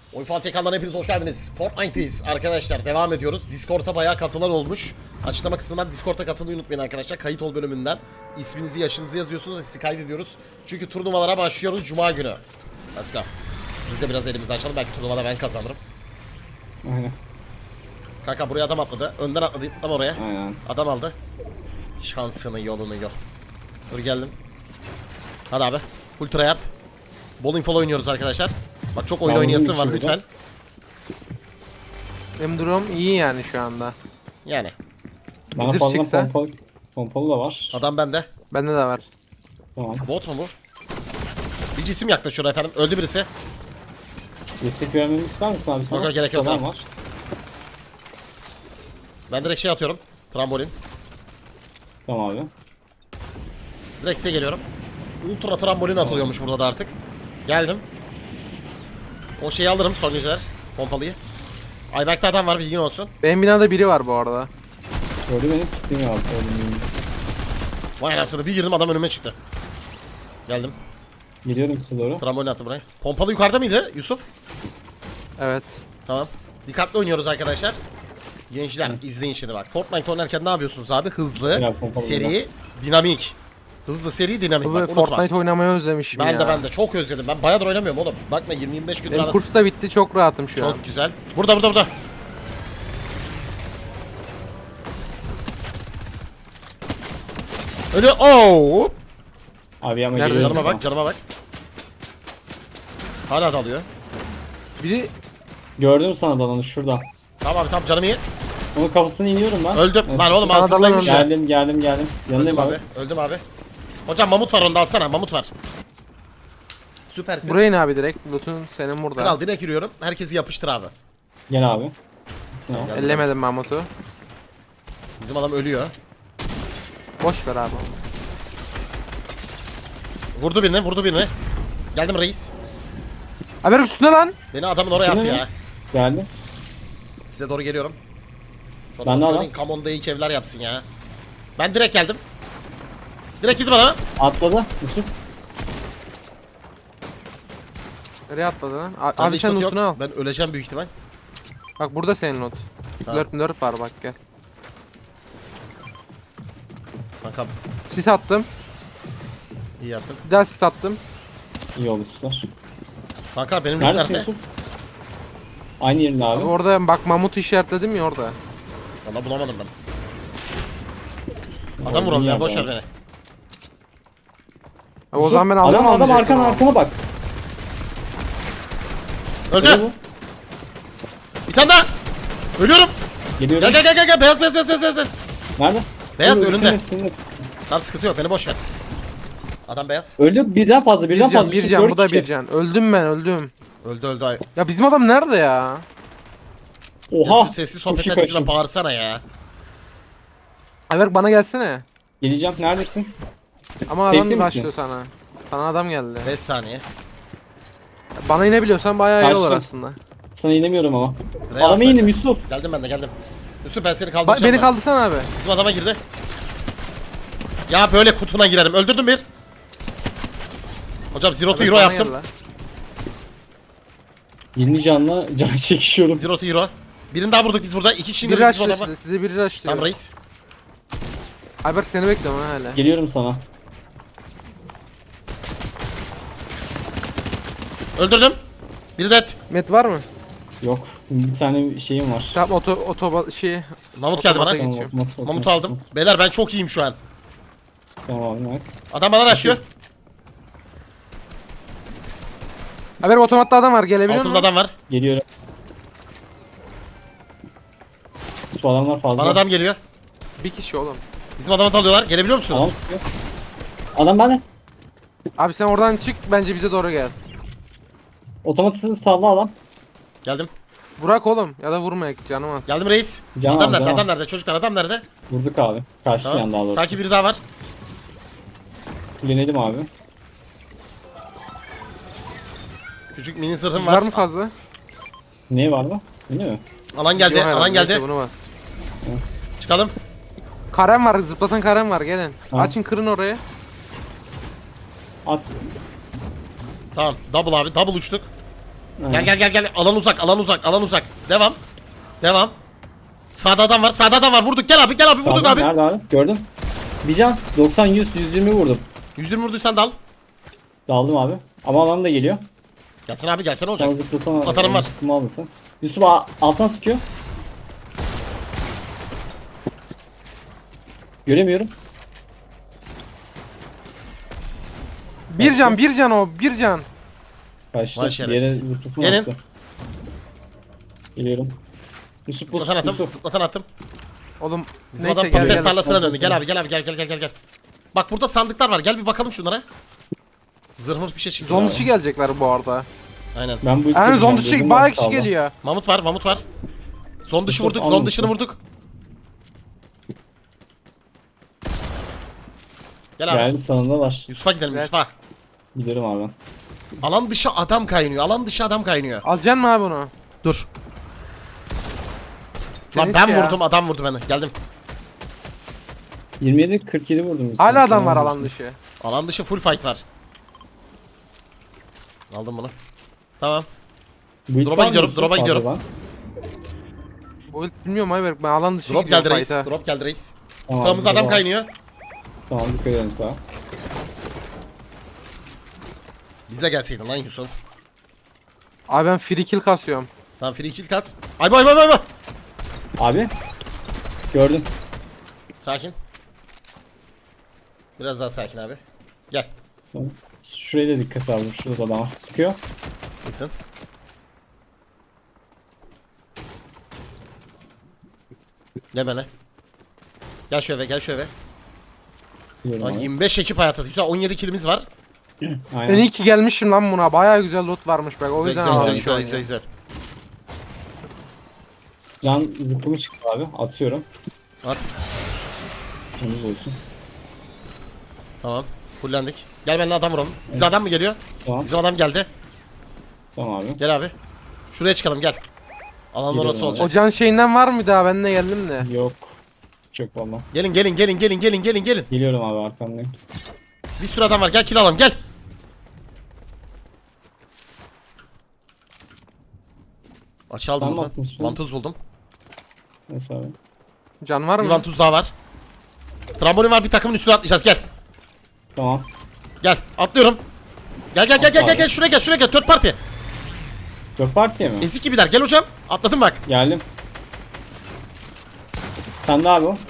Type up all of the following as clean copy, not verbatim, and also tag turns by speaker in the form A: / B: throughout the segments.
A: Oyun Fatih kanalına hepiniz hoş geldiniz. Fortnite'deyiz arkadaşlar. Devam ediyoruz. Discord'a bayağı katılan olmuş. Açıklama kısmından Discord'a katılmayı unutmayın arkadaşlar. Kayıt ol bölümünden isminizi, yaşınızı yazıyorsunuz ve sizi kaydediyoruz. Çünkü turnuvalara başlıyoruz Cuma günü. Let's go. Biz de biraz elimizi açalım. Belki turnuvada ben kazanırım.
B: Aynen.
A: Kanka buraya adam atladı. Önden atladı. Tam oraya.
B: Aynen.
A: Adam aldı. Şansını yolunu gör. Dur geldim. Hadi abi. Full tryhard. Bol info oynuyoruz arkadaşlar. Bak çok oyun
B: Ben
A: oynayasın var
B: vurdum
A: lütfen.
C: Benim durum iyi yani şu anda.
A: Yani.
B: Bana
C: Zırh
B: fazla
C: çıksa.
B: pompalı da var.
A: Adam bende.
C: Bende de var.
B: Tamam.
A: Bot mu bu? Bir cisim yaklaşıyor efendim. Öldü birisi.
B: Destek vermemi ister misin abi sana?
A: Yok, gerek yok
B: Ustadan
A: abi.
B: var.
A: Ben direkt şey atıyorum. Trambolin.
B: Tamam abi.
A: Direkt size geliyorum. Ultra trambolin atılıyormuş burada da artık. Geldim. O şeyi alırım son geceler. Pompalıyı. Ayberk'te adam var bilgin olsun.
C: Benim binada biri var bu arada.
B: Gördü beni tutayım abi. Gördüm.
A: Vay anasını bir girdim adam önüme çıktı. Geldim.
B: Geliyorum size doğru.
A: Trambolin attım buraya. Pompalı yukarıda mıydı Yusuf?
C: Evet.
A: Tamam. Dikkatli oynuyoruz arkadaşlar. Gençler izleyin şimdi bak. Fortnite oynarken ne yapıyorsunuz abi? Hızlı,
B: Biraz pompalı
A: seri, dinamik. Hızlı, seri, dinamik.
C: Bu
A: Bak, unutma.
C: Fortnite oynamayı özlemişim ya.
A: Ben de çok özledim. Ben bayağıdır oynamıyorum oğlum. Bakma 20-25 gündür
C: Benim
A: arası.
C: kurs da bitti, çok rahatım şu an.
A: Çok güzel. Burada. Ölüyor. Oo!
B: Abi ama
C: Nerede?
B: geliyorum
A: Canıma bak. Hala dalıyor.
C: Biri
B: Gördüm sana dalanı şurada.
A: Tamam abi tamam canım iyi.
B: Onun kafasını iniyorum ben.
A: Öldüm.
B: Evet.
A: Lan oğlum
C: Bana
A: altındaymış ya.
B: Geldim. Yanındayım
A: Öldüm
B: abi.
A: abi. Öldüm abi. Hocam mamut var onda alsana. Mamut var. Süpersin.
C: buraya in abi direkt. Loot'un senin burada.
A: Kral direkt yürüyorum. Herkesi yapıştır abi.
B: Gel abi. Tamam.
A: Geldim.
C: Ellemedim Mahmut'u.
A: Bizim adam ölüyor.
C: Boş ver abi.
A: Vurdu birini. Geldim reis.
C: Haber üstüne lan.
A: Beni adamın oraya
B: Üstüne
A: attı
B: mi?
A: ya.
B: Geldim.
A: Size doğru geliyorum. Şu
B: Ben de
A: adamı
B: adam.
A: söyleyin Kamon'da ilk evler yapsın ya. Ben direkt geldim. Direkt gittim adama.
B: Atladı. Yusuf.
C: Nereye atladı lan?
A: Bende
C: Abi
A: hiç
C: sen
A: loot
C: loot'unu al.
A: Ben öleceğim büyük ihtimal.
C: Bak burada senin loot.
A: Tamam.
C: 4 var bak gel.
A: Kankam
C: Sis attım.
A: iyi yaptın.
C: Bir daha sis attım.
B: İyi oldu sizler.
A: Kanka benim
B: Neredesin
A: nerede?
B: Yusuf? Aynı yerinde abi.
C: Orada bak Mahmut'u işaretledim ya orada.
A: Valla bulamadım ben. Adam vuralım ya boş ver beni.
C: Abi o zaman ben aldım
B: Adam arkana bak.
A: Öldü.
B: Öyle bu.
A: Bir tane daha. Ölüyorum.
B: Geliyorum.
A: Gel. Beyaz.
B: Nerede?
A: Beyaz
B: Öldü,
A: önünde.
B: bitirme.
A: Tamam sıkıntı yok beni boş ver. Adam beyaz.
B: Öldü birden fazla
C: Bir can,
B: Yusuf,
C: bir can,
B: dört
C: bu da
B: kişi.
C: bir can. Öldüm ben, öldüm.
A: Öldü ay.
C: Ya bizim adam nerede ya?
A: Ya
B: Oha.
A: şu sessiz
B: Koşu
A: sohbetler yüzünden
B: koşu.
A: bağırsana ya.
C: Ayberk bana gelsene.
B: Geleceğim neredesin?
C: Ama
B: Safety
C: adam
B: misin?
C: başlıyor sana. Sana adam geldi.
A: 5 saniye.
C: Bana inebiliyorsan bayağı iyi olur
B: Karşı.
C: aslında.
B: Sana inemiyorum ama.
A: Buraya
B: Adama
A: atla.
B: indim Yusuf.
A: Geldim ben de geldim. Yusuf ben seni kaldıracağım.
C: Beni
A: ben.
C: kaldırsana abi.
A: Bizim adama girdi. Ya böyle kutuna girerim. Öldürdüm bir. Hocam Zero to
C: Ayberk
A: Hero
C: bana
A: yaptım.
C: gel lan.
B: 20 canla can çekişiyorum.
A: Zero to Hero. Birini daha vurduk biz burada. 2 kişi
C: Biri
A: indirdik bizim
C: açtı
A: adama.
C: size biri açtı.
A: Tamam reis.
C: Ayberk seni bekliyorum ha hala.
B: Geliyorum sana.
A: Öldürdüm. Biri dead.
C: Met var mı?
B: Yok. Bir tane şeyim var.
C: Tamam şey
A: Mamut geldi bana.
C: Otomata geçiyor.
A: Mamut'u aldım. Beyler ben çok iyiyim şu an.
B: Tamam abi nice.
A: Adam bana rushlıyor.
C: Ayberk otomatta adam var gelebiliyor
A: Altımda
C: musun?
A: adam var.
B: Geliyorum. Bu adamlar fazla.
A: Bana adam geliyor.
C: Bir kişi oğlum.
A: Bizim adamı alıyorlar. Gelebiliyor
B: Adam
A: musunuz?
B: sıkıyor. Adam bende.
C: Abi sen oradan çık bence bize doğru gel.
B: Otomatisini salla adam.
A: Geldim.
C: Burak oğlum ya da vurma canım az.
A: Geldim reis.
B: Can
A: Adam
B: al,
A: nerede?
B: can al.
A: Adam nerede? Çocuklar adam nerede?
B: Vurduk abi. Karşı yan daha
A: Tamam.
B: doğrusu.
A: Sanki biri daha var.
B: Kulenedim abi.
A: Küçük mini zırhım
C: Var
A: var.
C: mı fazla?
B: Ne var mı? Değil mi?
A: Alan geldi.
C: Yok herhalde,
A: Alan geldi.
C: neyse bunu bas.
A: Çıkalım.
C: Karem var, zıplatan karem var, gelin.
B: Tamam.
C: Açın, kırın orayı.
B: At.
A: Tamam. Double abi. Double uçtuk. Gel. Alan uzak. Devam. Sağda adam var. Vurduk. Gel abi vurduk
B: Sağda,
A: abi.
B: nerede abi? Gördüm. Bir can. 90, 100, 120 vurdum.
A: 120 vurduysan dal.
B: Daldım abi. Ama alan da geliyor.
A: Gelsene abi olacak.
B: Can zıplatan
A: Zıplatanım var.
B: Zıplama almışsın. Yusuf alttan sıkıyor. Göremiyorum.
C: Bir can o. Bir can.
B: Kaçtı.
A: Vay
B: Bir
A: şerefsiz.
B: yere zıplatma
A: Gelin.
B: attı. Geliyorum. Yusuf bu
A: Zıplatan attım.
C: Oğlum
A: Bizim
C: neyse
A: adam
C: gel
A: patates
C: gel.
A: tarlasına döndü. Gel abi gel. Bak burada sandıklar var. Gel bir bakalım şunlara. Zırhımız bir şey çıksın.
C: Zon dışı gelecekler bu arada.
A: Aynen.
B: Ben bu
C: Yani zon dışı
B: Gözüm
C: bayağı
B: az
C: kişi
B: kaldı.
C: geliyor.
A: Mamut var. Zon dışı
B: Yusuf,
A: vurduk.
B: al
A: Zon dışını
B: Yusuf.
A: vurduk. Gel abi.
B: Geldi sanında var.
A: Yusuf'a gidelim
C: Evet.
A: Yusuf'a.
B: Giderim abi ben.
A: Alan dışı adam kaynıyor.
C: Alacaksın mı abi bunu?
A: Dur.
C: Sen
A: Lan
C: hiç
A: ben
C: ya.
A: vurdum adam vurdu beni. Geldim.
B: 27 47 vurdum. biz.
C: Hala adam var
B: Tamam,
C: alan dışı.
A: Alan dışı full fight var. Aldım bunu. Tamam.
B: Bu hiç
A: Drop'a
B: var mı
A: gidiyorum,
B: Yusuf
A: drop'a gidiyorum.
B: fazladan?
C: Bu ilk bilmiyorum Ayberk, ben alan dışı
A: Drop
C: gidiyorum
A: geldi reis.
C: fight'a.
A: Drop geldi reis.
B: Tamam,
A: Sağımızda adam
B: tamam.
A: kaynıyor.
B: Tamam dikkat edelim sağa.
A: Bize gelseydin lan Yusuf.
C: Abi ben free kill kasıyorum.
A: Tamam free kill kat. Ay bay.
B: Abi. Gördüm.
A: Sakin. Biraz daha sakin abi. Gel.
B: Sonra şuraya da dikkat aldım. Şurada adam var. Sıkıyor.
A: Çıksın. Gel bana. Gel şu eve.
B: Biliyorum
A: Lan
B: abi.
A: 25 ekip hayatı. Güzel 17 kilimiz var.
C: Ben
B: Aynen.
C: iyi ki gelmişim lan buna. Bayağı güzel loot varmış bak. O yüzden aldım.
A: Güzel.
B: Can zıplımı çıktı abi. Atıyorum.
A: At.
B: Temiz olsun.
A: Tamam. Fullendik. Gel benimle adam vuralım. Bize adam mı geliyor?
B: Tamam.
A: Bizim adam geldi.
B: Tamam abi.
A: Gel abi. Şuraya çıkalım gel. Alan
B: Gidelim
A: orası
B: abi.
A: olacak.
C: O can şeyinden var mı daha? Ben de geldim de.
B: Yok. Çok valla.
A: Gelin.
B: Geliyorum abi arkamdayım.
A: Bir sürü adam var. Gel kill alalım gel. Açı aldım
B: Sen mi
A: buradan.
B: attın üstüne?
A: Vantuz buldum.
B: Neyse abi.
C: Can var
A: Bir
C: mı?
A: vantuz daha var. Trambolin var bir takımın üstüne atlayacağız gel.
B: Tamam.
A: Gel atlıyorum. Gel şuraya gel. Third party.
B: 4 partiye mi?
A: Ezik gibiler gel hocam. Atladım bak.
B: Geldim. Sen de abi o.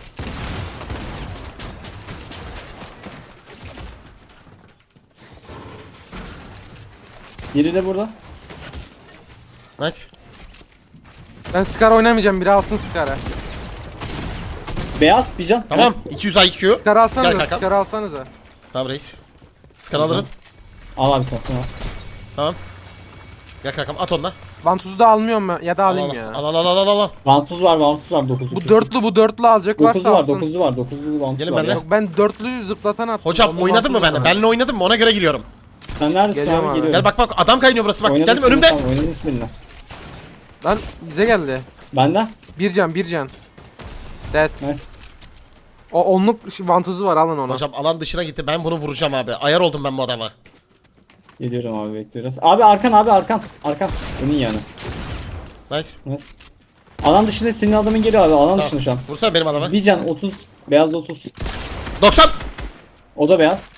B: Biri de burada.
A: Nice.
C: Ben Scar oynamayacağım. Biri alsın Scar'ı.
B: Beyaz bir can.
A: Tamam.
B: Beyaz.
A: 200 IQ.
C: Scar
A: Gel
C: alsanıza.
A: kankam.
C: Scar alsanıza.
A: Tamam reis. Skan alırız.
B: Al abi sen al.
A: Tamam. Gel kankam at onunla.
C: Vantuzu da almıyorum ben. Ya da
A: Al
C: alayım ya.
A: al.
B: Vantuz var 9'lu.
C: Bu dörtlü alacak varsa
B: 9'lu var
C: alsın.
B: 9'lu var 9'lu vantuz
A: Gelin
B: var.
A: benimle.
B: ya.
C: Yok ben dörtlü zıplatan attım.
A: Hocam
C: Onun
A: oynadın mı
C: vantuzu
A: benimle?
C: var.
A: Benimle oynadın mı? Ona göre giriyorum.
B: Sen neredesin
C: Geliyorum
B: abi?
C: abi.
B: Geliyorum.
A: Gel bak adam kaynıyor burası bak.
B: Oynadım
A: Geldim
B: seninle,
A: önümde.
B: tamam, oynadım seninle.
C: Lan bize geldi.
B: Benden.
C: Bir can. Dead.
B: Nice.
C: O onluk vantuzu var alın onu.
A: Hocam alan dışına gitti. Ben bunu vuracağım abi. Ayar oldum ben bu adama.
B: Geliyorum abi bekliyoruz. Abi arkan abi arkan. Arkan. Önün yani.
A: Nice.
B: Nice. Alan dışında senin adamın geliyor abi. Alan dışında şu an.
A: Vursana benim adama.
B: Bir can 30. Beyaz 30.
A: 90.
B: O da beyaz.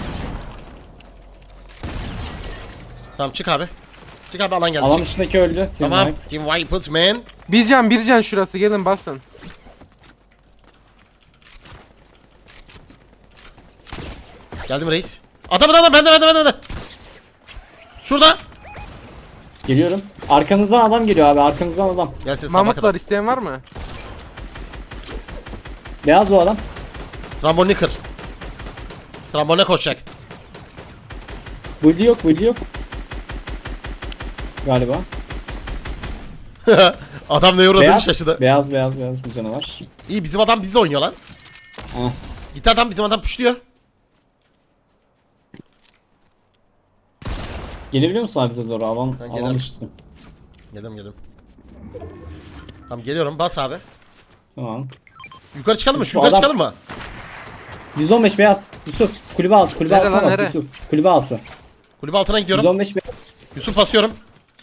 A: Tamam çık abi. Çık abi alan geldi.
B: Alan
A: Çık.
B: dışındaki öldü.
A: Tamam. Team Wipers man.
C: Bir can şurası gelin basın.
A: Geldim reis. Adam bende. Şurada.
B: Geliyorum. Arkanızdan adam geliyor abi. Arkanızdan adam.
A: Gelsin sabah
C: Mamutlar
A: kadar.
C: isteyen var mı?
B: Beyaz o adam.
A: Rambolini kır. Ramboline koşacak.
B: Bully yok. Galiba.
A: Adam ne uğradığını şaşırdı.
B: Beyaz bir canavar.
A: İyi bizim adam bizle oynuyor lan.
B: Heh.
A: Gitti adam bizim adam puşluyor.
B: Gelebiliyor musun abi bize doğru? Alan
A: gelirim.
B: dışısın.
A: Geldim. Tamam geliyorum bas abi.
B: Tamam.
A: Yukarı çıkalım mı?
B: Şu
A: Şu yukarı
B: adam-
A: çıkalım mı?
B: 115 beyaz. Yusuf. Kulübe altı.
C: Nere lan,
B: bak,
C: nere?
B: Yusuf. Kulübe altı.
A: Kulübe altına gidiyorum.
B: 115 beyaz.
A: Yusuf basıyorum.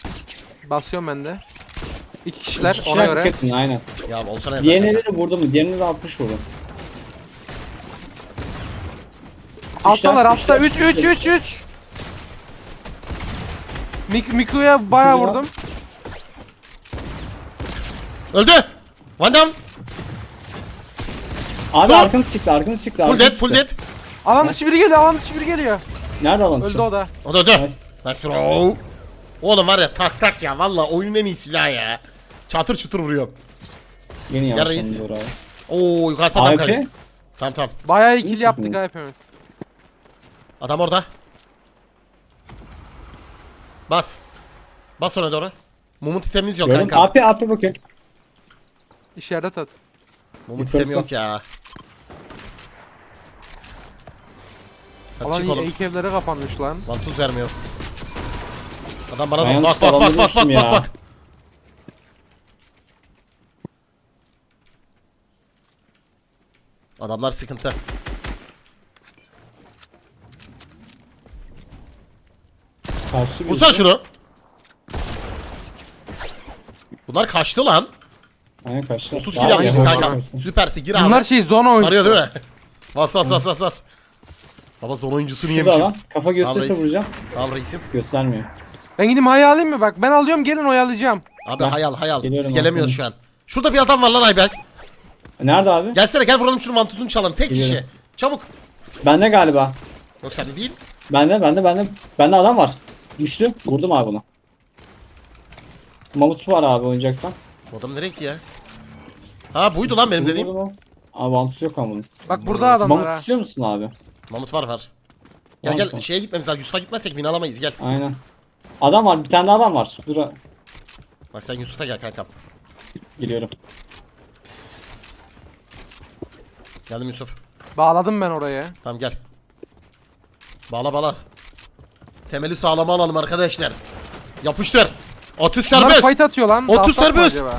C: Basıyorum ben de. 2 kişiler
B: İki
C: ona
B: kişiler
C: göre.
B: dikkat edin, aynen.
A: Ya olsana yazar.
B: Diğerine de vurdu mu? Diğerine de 60 vurdu.
C: Alttalar altta.
B: üçler,
C: 3 3 3 3. Miku'ya bayağı
B: Isıracağız.
C: vurdum.
A: Öldü. Van Damme.
B: Abi
A: Dur.
B: arkanız çıktı, arkanız çıktı.
A: Full
B: arkanız
A: dead, full
B: çıktı.
A: dead.
C: Alan dışı biri geliyor, alan dışı biri geliyor.
B: Nerede alan
C: Öldü
B: dışı?
C: o da.
A: O da öldü.
B: Nice.
A: Nice bro. Oğlum var ya tak tak ya. Valla oyunun en iyi silahı ya. Çatır çutur vuruyor.
B: Yeni
A: Ya
B: yanlış
A: reis.
B: anladı abi.
A: Oo yukarısı adam
B: AWP?
A: kaydı. Tamam tamam.
C: Bayağı
B: Siz
C: ikili yaptık
B: misiniz?
C: ha hepimiz.
A: Adam orada. Bas. Bas ona doğru. Mumut itemimiz yok
B: Gördüm.
A: kanka.
B: AP bakıyor.
C: İşaret at.
A: Mumut
B: Yukarısı.
A: itemi yok ya. Hadi
C: Alan
A: çık oğlum.
C: ilk evlere kapanmış lan.
A: Vantuz vermiyor. Adam bana
B: Ben
A: bak
B: yanlışlıkla
A: bak bak
B: alanda
A: bak bak
B: düştüm
A: bak
B: ya.
A: bak. Adamlar sıkıntı.
B: Karşı
A: Vursana şunu. Bunlar kaçtı lan.
B: Aynen kaçtı.
A: 30
B: Daha
A: kill yapmışız
B: iyi
C: kanka.
A: kanka.
B: olsun.
A: Süpersin gir abi.
C: Bunlar şey zona oyuncusu.
A: Sarıyor değil mi? Bas bas bas bas bas. Baba son oyuncusunu
B: Şurada
A: yemişim.
B: lan. Kafa gösterirse
A: reis.
B: vuracağım.
A: Tamam reisim.
B: Göstermiyor.
C: Ben gideyim hayal alayım mı bak? Ben alıyorum gelin oyalayacağım.
A: Abi
B: Ben
A: hayal hayal.
B: geliyorum
A: Biz gelemiyoruz
B: abi.
A: şu an. Şurada bir adam var lan Ayberk.
B: Nerede abi?
A: Gelsene gel vuralım şunu vantuzunu çalalım. Tek kişi.
B: Geliyorum.
A: Çabuk.
B: Bende galiba.
A: Yok sende değil.
B: Bende adam var. Düştü. Vurdum abi bunu. Mamut var abi oynayacaksan.
A: Bu adam nereye gitti ya? Ha buydu lan benim dediğim.
B: Vurdum o. Abi Vantus yok ama bunun.
C: Bak burada adamlar
B: Mamut
C: ha.
B: istiyor musun abi?
A: Mamut var. Gel
B: Tamam,
A: gel
B: tamam.
A: şeye gitmemiz lazım. Yusuf'a gitmezsek win alamayız gel.
B: Aynen. Adam var. Bir tane daha adam var. Dur.
A: Bak sen Yusuf'a gel kankam.
B: Geliyorum.
A: Geldim Yusuf.
C: Bağladım ben oraya.
A: Tamam gel. Bağla. Temeli sağlama alalım arkadaşlar. Yapıştır. Atış
C: Bunlar
A: serbest.
C: fight atıyor lan.
A: 30
C: Dalsak mı
A: serbest.
C: acaba?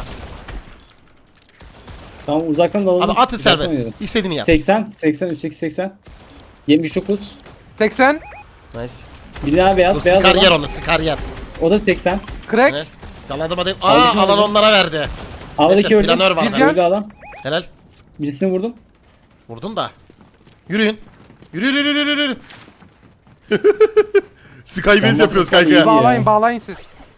B: Tamam uzaktan dalalım.
A: Abi atış
B: Uzaktan
A: serbest.
B: oynayalım.
A: İstediğini yap.
B: 80, 80. 79.
C: 80.
A: Nice.
B: Bir daha
A: Dur,
B: beyaz
A: sıkar
B: adam.
A: yer onu sıkar yer.
B: O da 80.
C: Crack.
A: Ne? Canlandım hadi.
B: Aldım,
A: Aa alan
B: aldım.
A: onlara verdi.
B: Havadaki
A: Neyse
B: öldü.
A: planör var.
C: Bir
A: da.
C: can.
B: Öldü adam.
A: Helal.
B: Birisini vurdum.
A: Vurdun da. Yürüyün. Yürü. Skybase yapıyoruz kanka.
C: Bağlayın siz.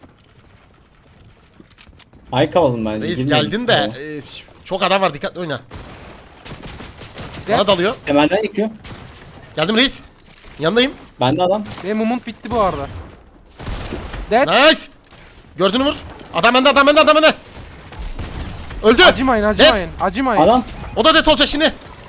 B: Ay kavalım bence.
A: Reis
B: Girmeyelim.
A: geldin de
B: Tamam.
A: çok adam var dikkatli oyna.
C: Gel.
A: Bana dalıyor.
B: Temelden yıkıyor.
A: Geldim reis. Yanındayım.
B: Bende adam.
C: Benim mumut bitti bu arada. Dead.
A: Nice. Gördün mü vur. Adam bende. Öldü.
C: Acımayın.
A: Dead.
C: Acımayın.
B: Adam.
A: O da death olacak şimdi.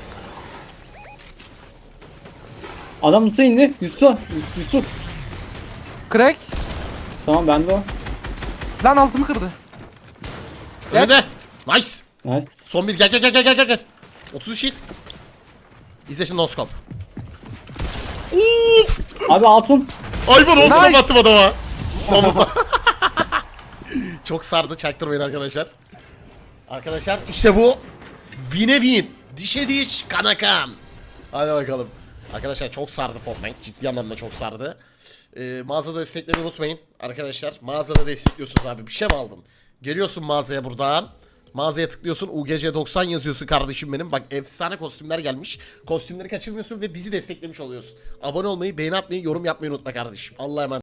B: Adam Yusuf'a indi. Yusuf.
C: Crack.
B: Tamam bende o.
C: Lan altımı kırdı.
A: Önünde. Nice.
B: Nice.
A: Son bir gel. 30 shield. İzle şimdi noskop. Uf.
B: Abi altın.
A: Ay ben noskop
C: Nice.
A: attım adama. Çok sardı çaktırmayın arkadaşlar. Arkadaşlar işte bu. Win'e win. Dişe diş kana kan. Hadi bakalım. Arkadaşlar çok sardı Fortnite. Ciddi anlamda çok sardı. Mağazada desteklemeyi unutmayın. Arkadaşlar mağazada destekliyorsunuz abi. Bir şey mi aldın? Geliyorsun mağazaya buradan. Mağazaya tıklıyorsun. UGC 90 yazıyorsun kardeşim benim. Bak efsane kostümler gelmiş. Kostümleri kaçırmıyorsun ve bizi desteklemiş oluyorsun. Abone olmayı, beğeni atmayı, yorum yapmayı unutma kardeşim. Allah'a emanet.